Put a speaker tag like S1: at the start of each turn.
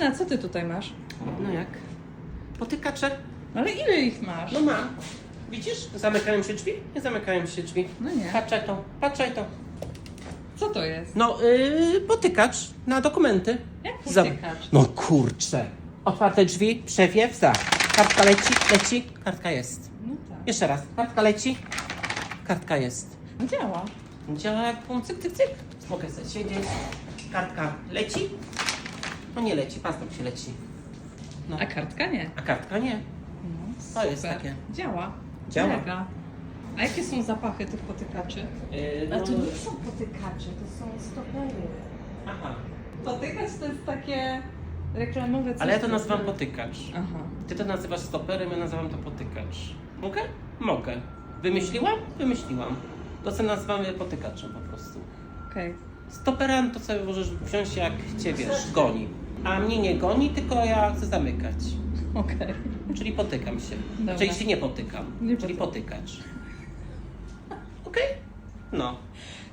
S1: Justyna, co ty tutaj masz?
S2: No jak? Potykacze?
S1: Ale ile ich masz?
S2: No mam. Widzisz? Zamykają się drzwi? Nie zamykają się drzwi.
S1: No nie.
S2: Patrzaj to.
S1: Co to jest?
S2: No, potykacz na dokumenty.
S1: Jak
S2: Zam-
S1: potykacz?
S2: No kurczę. Otwarte drzwi, przewiew, za. Kartka leci, kartka jest.
S1: No tak.
S2: Jeszcze raz. Kartka leci, kartka jest.
S1: Działa.
S2: Działa jak pum, cyk, cyk, cyk. Mogę sobie siedzieć. Kartka leci. No nie leci, paznok się leci. No.
S1: A kartka nie.
S2: A kartka nie.
S1: No,
S2: To
S1: super.
S2: jest takie.
S1: Działa.
S2: Działa.
S1: Mega. A jakie są zapachy tych potykaczy?
S2: No,
S1: A to nie są potykacze, to są stopery.
S2: aha.
S1: Potykacz to jest takie reklamowe coś.
S2: Ale ja to
S1: co-
S2: nazywam potykacz.
S1: Aha.
S2: Ty to nazywasz stoperem, ja nazywam to potykacz. Mogę? Mogę. Wymyśliłam? Wymyśliłam. To co nazywamy potykaczem po prostu.
S1: Okej.
S2: Stopera to sobie możesz wziąć jak cię, wiesz, goni. A mnie nie goni, tylko ja chcę zamykać.
S1: Okej.
S2: Czyli potykam się.
S1: Dobra.
S2: Czyli się nie potykam.
S1: Nie
S2: Czyli potykacz. Okej? No.